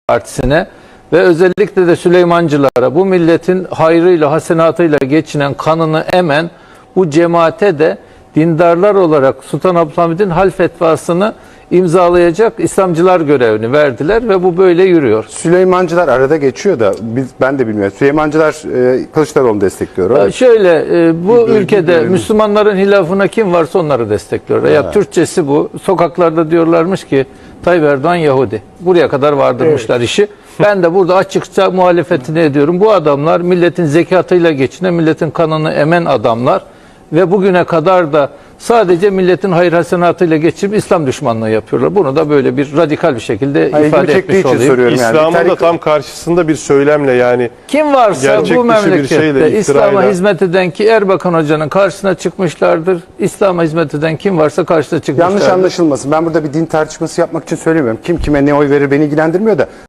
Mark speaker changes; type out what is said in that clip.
Speaker 1: Partisi'ne ve özellikle de Süleymancılara, bu milletin hayrıyla, hasenatıyla geçinen, kanını emen bu cemaate de dindarlar olarak Sultan Abdülhamid'in hal fetvasını imzalayacak İslamcılar görevini verdiler ve bu böyle yürüyor.
Speaker 2: Süleymancılar arada geçiyor da ben de bilmiyorum. Süleymancılar Kılıçdaroğlu'nu destekliyor.
Speaker 1: Şöyle bu ülkede Müslümanların hilafına kim varsa onları destekliyor. Ya Türkçesi bu. Sokaklarda diyorlarmış ki Tayyip Erdoğan Yahudi. Buraya kadar vardırmışlar işi. Ben de burada açıkça muhalefetini ediyorum. Bu adamlar milletin zekatıyla geçinen, milletin kanını emen adamlar ve bugüne kadar da sadece milletin hayır hasenatıyla geçip İslam düşmanlığı yapıyorlar. Bunu da böyle bir radikal bir şekilde ifade etmiş olayım.
Speaker 3: İslam'ın da tam karşısında bir söylemle, yani
Speaker 1: kim varsa bu memlekette İslam'a hizmet eden, ki Erbakan Hoca'nın karşısına çıkmışlardır. İslam'a hizmet eden kim varsa karşısına çıkmışlardır.
Speaker 2: Yanlış anlaşılmasın. Ben burada bir din tartışması yapmak için söylemiyorum. Kim kime ne oy verir beni ilgilendirmiyor da.